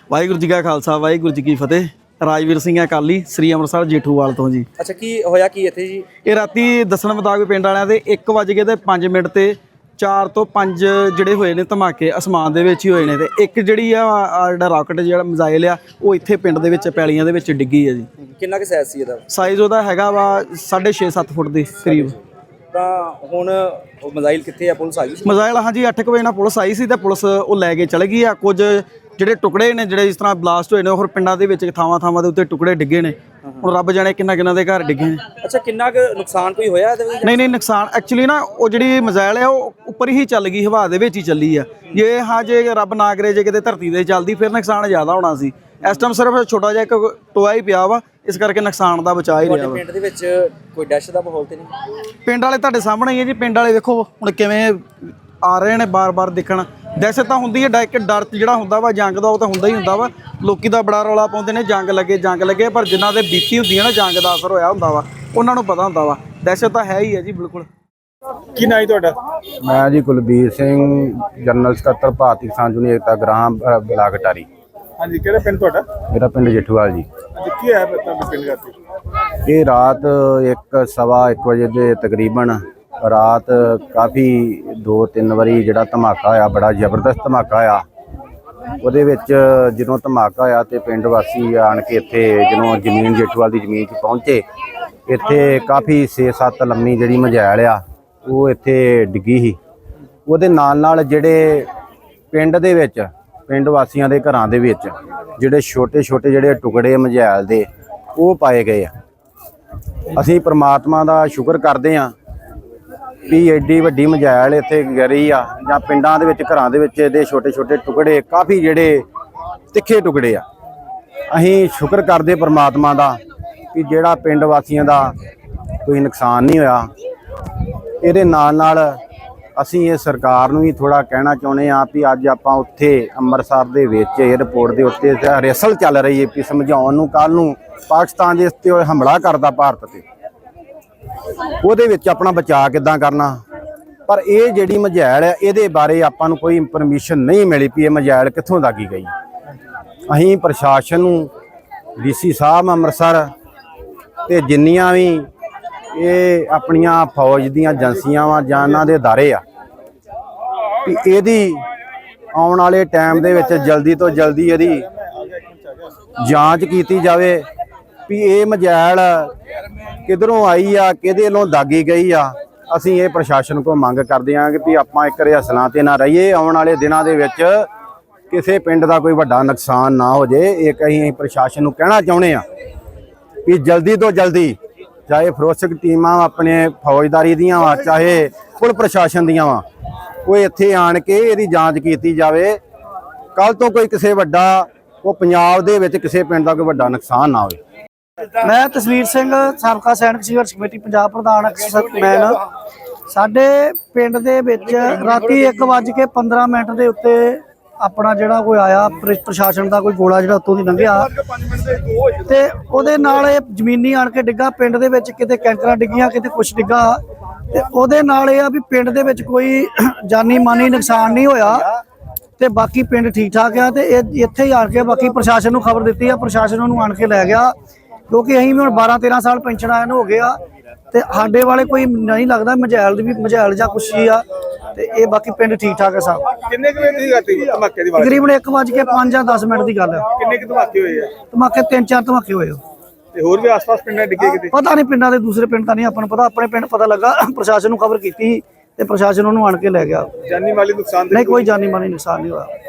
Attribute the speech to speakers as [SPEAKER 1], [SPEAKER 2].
[SPEAKER 1] ਵਾਹਿਗੁਰੂ ਜੀ ਕਾ ਖਾਲਸਾ ਵਾਹਿਗੁਰੂ ਜੀ ਕੀ ਫਤਿਹ। ਰਾਜਵੀਰ ਸਿੰਘ ਅਕਾਲੀ ਸ੍ਰੀ ਅੰਮ੍ਰਿਤਸਰ ਜੇਠੂਵਾਲ ਤੋਂ ਜੀ।
[SPEAKER 2] ਅੱਛਾ, ਕੀ ਹੋਇਆ ਕੀ ਇੱਥੇ ਜੀ?
[SPEAKER 1] ਇਹ ਰਾਤੀ ਦੱਸਣ ਮੁਤਾਬਕ ਪਿੰਡ ਵਾਲਿਆਂ ਦੇ 1:05 ਤੇ 4 ਤੋਂ 5 ਜਿਹੜੇ ਹੋਏ ਨੇ ਧਮਾਕੇ ਅਸਮਾਨ ਦੇ ਵਿੱਚ ਹੀ ਹੋਏ ਨੇ, ਤੇ ਇੱਕ ਜਿਹੜੀ ਆ ਜਿਹੜਾ ਰਾਕਟ ਜਿਹੜਾ ਮਿਜ਼ਾਈਲ ਆ ਉਹ ਇੱਥੇ ਪਿੰਡ ਦੇ ਵਿੱਚ ਪੈਲੀਆਂ ਦੇ ਵਿੱਚ ਡਿੱਗੀ ਆ ਜੀ।
[SPEAKER 2] ਕਿੰਨਾ ਕੁ ਸਾਈਜ਼ ਸੀ ਇਹਦਾ?
[SPEAKER 1] ਸਾਈਜ਼ ਉਹਦਾ ਹੈਗਾ ਵਾ 6.5-7 ਫੁੱਟ ਦੇ ਕਰੀਬ।
[SPEAKER 2] ਤਾਂ ਹੁਣ ਉਹ ਮਿਜ਼ਾਈਲ ਕਿੱਥੇ ਆ? ਪੁਲਿਸ ਆ ਗਈ ਸੀ?
[SPEAKER 1] ਮਿਜ਼ਾਈਲ ਹਾਂਜੀ 8 ਵਜੇ ਨਾਲ ਪੁਲਿਸ ਆਈ ਸੀ ਤੇ ਪੁਲਿਸ ਉਹ ਲੈ ਕੇ ਚਲੇ ਗਈ ਆ। ਕੁਝ ਜਿਹੜੇ ਟੁਕੜੇ ਨੇ ਜਿਹੜੇ ਇਸ ਤਰ੍ਹਾਂ ਬਲਾਸਟ ਹੋਏ ਨੇ ਹੋਰ ਪਿੰਡਾਂ ਦੇ ਵਿੱਚ ਥਾਵਾਂ ਦੇ ਉੱਤੇ ਟੁਕੜੇ ਡਿੱਗੇ ਨੇ। ਹੁਣ ਰੱਬ ਜਾਣੇ ਕਿੰਨਾ ਦੇ ਘਰ ਡਿੱਗੇ ਨੇ।
[SPEAKER 2] ਅੱਛਾ, ਕਿੰਨਾ ਕੁ ਨੁਕਸਾਨ ਕੋਈ ਹੋਇਆ ਇਹਦੇ ਵਿੱਚ?
[SPEAKER 1] ਨਹੀਂ ਨੁਕਸਾਨ ਐਕਚੁਅਲੀ ਨਾ ਉਹ ਜਿਹੜੀ ਮਿਜ਼ਾਈਲ ਆ ਉਹ ਉੱਪਰ ਹੀ ਚੱਲ ਗਈ, ਹਵਾ ਦੇ ਵਿੱਚ ਹੀ ਚੱਲੀ ਆ। ਜੇ ਰੱਬ ਨਾ ਕਰੇ ਜੇ ਕਿਤੇ ਧਰਤੀ ਤੇ ਚੱਲਦੀ ਫਿਰ ਨੁਕਸਾਨ ਜ਼ਿਆਦਾ ਹੋਣਾ ਸੀ। ਇਸ ਟਾਈਮ ਸਿਰਫ ਛੋਟਾ ਜਿਹਾ ਇੱਕ ਟੋਆ ਹੀ ਪਿਆ ਵਾ, ਇਸ ਕਰਕੇ ਨੁਕਸਾਨ ਦਾ ਬਚਾ ਹੀ ਰਿਹਾ ਵਾ।
[SPEAKER 2] ਪਿੰਡ ਦੇ ਵਿੱਚ ਕੋਈ ਡੈਸ਼ ਦਾ ਮਾਹੌਲ ਤੇ ਨਹੀਂ?
[SPEAKER 1] ਪਿੰਡ ਵਾਲੇ ਤੁਹਾਡੇ ਸਾਹਮਣੇ ਹੀ ਹੈ ਜੀ। ਪਿੰਡ ਵਾਲੇ ਵੇਖੋ ਹੁਣ ਕਿਵੇਂ ਆ ਰਹੇ ਨੇ ਬਾਰ-ਬਾਰ ਦੇਖਣ। ਦਹਿਸ਼ਤ ਤਾਂ ਹੁੰਦੀ ਹੈ, ਡਰ ਜਿਹੜਾ ਹੁੰਦਾ ਵਾ ਜੰਗ ਦਾ ਉਹ ਤਾਂ ਹੁੰਦਾ ਹੀ ਹੁੰਦਾ ਵਾ। ਲੋਕੀ ਦਾ ਬੜਾ ਰੌਲਾ ਪਾਉਂਦੇ ਨੇ ਜੰਗ ਲੱਗੇ, ਪਰ ਜਿਨ੍ਹਾਂ ਦੇ ਬੀਤੀ ਹੁੰਦੀ ਹੈ ਨਾ ਜੰਗ ਦਾ ਅਸਰ ਹੋਇਆ ਹੁੰਦਾ ਵਾ ਉਹਨਾਂ ਨੂੰ ਪਤਾ ਹੁੰਦਾ ਵਾ। ਦਹਿਸ਼ਤ ਤਾਂ ਹੈ ਹੀ ਹੈ ਜੀ ਬਿਲਕੁਲ।
[SPEAKER 3] ਕੀ ਨਾਂ ਹੈ ਤੁਹਾਡਾ?
[SPEAKER 4] ਮੈਂ ਜੀ ਕੁਲਬੀਰ ਸਿੰਘ, ਜਨਰਲ ਸਕੱਤਰ ਭਾਰਤੀ ਕਿਸਾਨ ਯੂਨੀਅਨ ਏਕਤਾ ਗ੍ਰਾਮ ਬਲਾਕ ਅਟਾਰੀ।
[SPEAKER 3] ਹਾਂਜੀ, ਕਿਹੜਾ ਪਿੰਡ ਤੁਹਾਡਾ?
[SPEAKER 4] ਮੇਰਾ ਪਿੰਡ ਜੇਠੂਵਾਲ ਜੀ।
[SPEAKER 3] ਅੱਜ ਕੀ ਹੈ ਤੁਹਾਡੇ ਪਿੰਡ ਦਾ?
[SPEAKER 4] ਇਹ ਰਾਤ 1:15 ਵਜੇ ਦੇ ਤਕਰੀਬਨ ਰਾਤ ਕਾਫੀ 2-3 ਵਾਰੀ ਜਿਹੜਾ ਧਮਾਕਾ ਹੋਇਆ, ਬੜਾ ਜ਼ਬਰਦਸਤ ਧਮਾਕਾ ਹੋਇਆ। ਉਹਦੇ ਵਿੱਚ ਜਦੋਂ ਧਮਾਕਾ ਹੋਇਆ ਤੇ ਪਿੰਡ ਵਾਸੀ ਆਣ ਕੇ ਇੱਥੇ ਜਦੋਂ ਜ਼ਮੀਨ ਜੇਠੂਵਾਲ ਦੀ ਜ਼ਮੀਨ 'ਚ ਪਹੁੰਚੇ, ਇੱਥੇ ਕਾਫੀ 6-7 ਲੰਮੀ ਜਿਹੜੀ ਮਿਜ਼ਾਈਲ ਆ ਉਹ ਇੱਥੇ ਡਿੱਗੀ ਸੀ। ਉਹਦੇ ਨਾਲ ਜਿਹੜੇ ਪਿੰਡ ਦੇ ਵਿੱਚ ਪਿੰਡ ਵਾਸੀਆਂ ਦੇ ਘਰਾਂ ਦੇ ਵਿੱਚ ਜਿਹੜੇ ਛੋਟੇ ਜਿਹੜੇ ਟੁਕੜੇ ਮਿਜ਼ਾਈਲ ਦੇ ਉਹ ਪਾਏ ਗਏ ਆ। ਅਸੀਂ ਪ੍ਰਮਾਤਮਾ ਦਾ ਸ਼ੁਕਰ ਕਰਦੇ ਹਾਂ ਵੀ ਐਡੀ ਵੱਡੀ ਮਿਜ਼ਾਈਲ ਇੱਥੇ ਗਿਰੀ ਆ, ਜਾਂ ਪਿੰਡਾਂ ਦੇ ਵਿੱਚ ਘਰਾਂ ਦੇ ਵਿੱਚ ਇਹਦੇ ਛੋਟੇ ਟੁਕੜੇ ਕਾਫੀ ਜਿਹੜੇ ਤਿੱਖੇ ਟੁਕੜੇ ਆ। ਅਸੀਂ ਸ਼ੁਕਰ ਕਰਦੇ ਪ੍ਰਮਾਤਮਾ ਦਾ ਕਿ ਜਿਹੜਾ ਪਿੰਡ ਵਾਸੀਆਂ ਦਾ ਕੋਈ ਨੁਕਸਾਨ ਨਹੀਂ ਹੋਇਆ। ਇਹਦੇ ਨਾਲ ਅਸੀਂ ਇਹ ਸਰਕਾਰ ਨੂੰ ਵੀ ਥੋੜਾ ਕਹਿਣਾ ਚਾਹੁੰਦੇ ਹਾਂ ਵੀ ਅੱਜ ਆਪਾਂ ਉੱਥੇ ਅੰਮ੍ਰਿਤਸਰ ਦੇ ਵਿੱਚ ਏਅਰਪੋਰਟ ਦੇ ਉੱਤੇ ਰਿਹਰਸਲ ਚੱਲ ਰਹੀ ਹੈ ਵੀ ਸਮਝਾਉਣ ਨੂੰ ਕੱਲ ਨੂੰ ਪਾਕਿਸਤਾਨ ਦੇ ਉੱਤੇ ਹਮਲਾ ਕਰਦਾ ਭਾਰਤ ਤੇ, ਉਹਦੇ ਵਿੱਚ ਆਪਣਾ ਬਚਾਅ ਕਿੱਦਾਂ ਕਰਨਾ। ਪਰ ਇਹ ਜਿਹੜੀ ਮਿਜ਼ਾਈਲ ਹੈ ਇਹਦੇ ਬਾਰੇ ਆਪਾਂ ਨੂੰ ਕੋਈ ਇਨਫੋਰਮੇਸ਼ਨ ਨਹੀਂ ਮਿਲੀ ਵੀ ਇਹ ਮਿਜ਼ਾਈਲ ਕਿੱਥੋਂ ਦਾਗੀ ਗਈ। ਅਸੀਂ ਪ੍ਰਸ਼ਾਸਨ ਨੂੰ, ਡੀਸੀ ਸਾਹਿਬ ਅੰਮ੍ਰਿਤਸਰ ਤੇ ਜਿੰਨੀਆਂ ਵੀ ਇਹ ਆਪਣੀਆਂ ਫੌਜ ਦੀਆਂ ਏਜੰਸੀਆਂ ਵਾ ਜਾਂ ਇਹਨਾਂ ਦੇ ਅਦਾਰੇ ਆ ਵੀ ਇਹਦੀ ਆਉਣ ਵਾਲੇ ਟਾਈਮ ਦੇ ਵਿੱਚ ਜਲਦੀ ਤੋਂ ਜਲਦੀ ਇਹਦੀ ਜਾਂਚ ਕੀਤੀ ਜਾਵੇ ਵੀ ਇਹ ਮਿਜ਼ਾਈਲ ਕਿੱਧਰੋਂ ਆਈ ਆ, ਕਿਹਦੇ ਵੱਲੋਂ ਦਾਗੀ ਗਈ ਆ। ਅਸੀਂ ਇਹ ਪ੍ਰਸ਼ਾਸਨ ਕੋਲ ਮੰਗ ਕਰਦੇ ਹਾਂ ਕਿ ਵੀ ਆਪਾਂ ਇੱਕ ਰਿਹਰਸਲਾਂ ਤੇ ਨਾ ਰਹੀਏ। ਆਉਣ ਵਾਲੇ ਦਿਨਾਂ ਦੇ ਵਿੱਚ ਕਿਸੇ ਪਿੰਡ ਦਾ ਕੋਈ ਵੱਡਾ ਨੁਕਸਾਨ ਨਾ ਹੋ ਜੇ। ਇੱਕ ਅਸੀਂ ਪ੍ਰਸ਼ਾਸਨ ਨੂੰ ਕਹਿਣਾ ਚਾਹੁੰਦੇ ਹਾਂ ਵੀ ਜਲਦੀ ਤੋਂ ਜਲਦੀ, ਚਾਹੇ ਫਰੋਸਕ ਟੀਮਾਂ ਆਪਣੇ ਫੌਜਦਾਰੀ ਦੀਆਂ ਵਾ, ਚਾਹੇ ਪੁਲਿਸ ਪ੍ਰਸ਼ਾਸਨ ਦੀਆਂ ਵਾ, ਉਹ ਇੱਥੇ ਆਣ ਕੇ ਇਹਦੀ ਜਾਂਚ ਕੀਤੀ ਜਾਵੇ। ਕੱਲ ਤੋਂ ਕੋਈ ਕਿਸੇ ਵੱਡਾ ਪੰਜਾਬ ਦੇ ਵਿੱਚ ਕਿਸੇ ਪਿੰਡ ਦਾ ਕੋਈ ਵੱਡਾ ਨੁਕਸਾਨ ਨਾ ਹੋਵੇ।
[SPEAKER 5] ਮੈਂ ਤਸਵੀਰ ਸਿੰਘ, ਸਾਬਕਾ ਸੈਨਿਕ ਸੰਘਰਸ਼ ਕਮੇਟੀ ਪੰਜਾਬ ਪ੍ਰਧਾਨ ਮੈਨ। ਸਾਡੇ ਪਿੰਡ ਦੇ ਵਿੱਚ ਰਾਤੀ 1:15 ਦੇ ਉੱਤੇ ਆਪਣਾ ਜਿਹੜਾ ਕੋਈ ਆਇਆ ਪ੍ਰਸ਼ਾਸਨ ਦਾ ਕੋਈ ਗੋਲਾ ਜਿਹੜਾ ਉੱਤੋਂ ਦੀ ਲੰਘਿਆ ਤੇ ਉਹਦੇ ਨਾਲ ਇਹ ਜ਼ਮੀਨੀ ਆਣ ਕੇ ਡਿੱਗਾ। ਪਿੰਡ ਦੇ ਵਿੱਚ ਕਿਤੇ ਕੈਂਕਰਾਂ ਡਿੱਗੀਆਂ, ਕਿਤੇ ਕੁਛ ਡਿੱਗਾ, ਤੇ ਉਹਦੇ ਨਾਲ ਇਹ ਆ ਵੀ ਪਿੰਡ ਦੇ ਵਿੱਚ ਕੋਈ ਜਾਨੀ ਮਾਨੀ ਨੁਕਸਾਨ ਨਹੀਂ ਹੋਇਆ ਤੇ ਬਾਕੀ ਪਿੰਡ ਠੀਕ ਠਾਕ ਆ। ਤੇ ਇਹ ਇੱਥੇ ਹੀ ਆਣ ਕੇ ਬਾਕੀ ਪ੍ਰਸ਼ਾਸਨ ਨੂੰ ਖਬਰ ਦਿੱਤੀ ਆ, ਪ੍ਰਸ਼ਾਸਨ ਉਹਨੂੰ ਆਣ ਕੇ ਲੈ ਗਿਆ, ਕਿਉਂਕਿ ਅਸੀਂ ਵੀ ਹੁਣ 12-13 ਸਾਲ ਪੈਨਸ਼ਨ ਆਇਆ ਨੂੰ ਹੋ ਗਿਆ ਤੇ ਸਾਡੇ ਵਾਲੇ ਕੋਈ ਨਹੀਂ ਲੱਗਦਾ ਮਿਜ਼ਾਈਲ ਜਾਂ ਕੁਛ ਹੀ ਆ। ਤੇ ਇਹ ਬਾਕੀ ਪਿੰਡ ਠੀਕ ਠਾਕ ਹੈ ਸਭ।
[SPEAKER 3] ਕਿੰਨੇ ਕੁ ਵਜੇ ਦੀ ਗੱਲ ਹੈ ਧਮਾਕੇ ਦੀ?
[SPEAKER 5] ਤਕਰੀਬਨ 1:05 ਜਾਂ 10 ਮਿੰਟ ਦੀ ਗੱਲ ਹੈ।
[SPEAKER 3] ਕਿੰਨੇ ਕੁ ਧਮਾਕੇ ਹੋਏ ਆ?
[SPEAKER 5] ਧਮਾਕੇ 3-4 ਧਮਾਕੇ ਹੋਏ।
[SPEAKER 3] ਤੇ ਹੋਰ ਵੀ ਆਸ-ਪਾਸ ਪਿੰਡਾਂ ਡਿੱਗੇ ਕਿਤੇ?
[SPEAKER 5] ਪਤਾ ਨਹੀਂ, ਪਿੰਡਾਂ ਦੇ ਦੂਸਰੇ ਪਿੰਡ ਤਾਂ ਨਹੀਂ ਆਪਾਂ ਨੂੰ ਪਤਾ। ਆਪਣੇ ਪਿੰਡ ਪਤਾ ਲੱਗਾ, ਪ੍ਰਸ਼ਾਸਨ ਨੂੰ ਖਬਰ ਕੀਤੀ ਤੇ ਪ੍ਰਸ਼ਾਸਨ ਉਹਨੂੰ ਆਣ ਕੇ ਲੈ ਗਿਆ।
[SPEAKER 3] ਜਾਨੀ ਮਾਲੀ ਨੁਕਸਾਨ
[SPEAKER 5] ਨਹੀਂ, ਕੋਈ ਜਾਨੀ ਮਾਲੀ ਨੁਕਸਾਨ ਨਹੀਂ ਹੋਇਆ।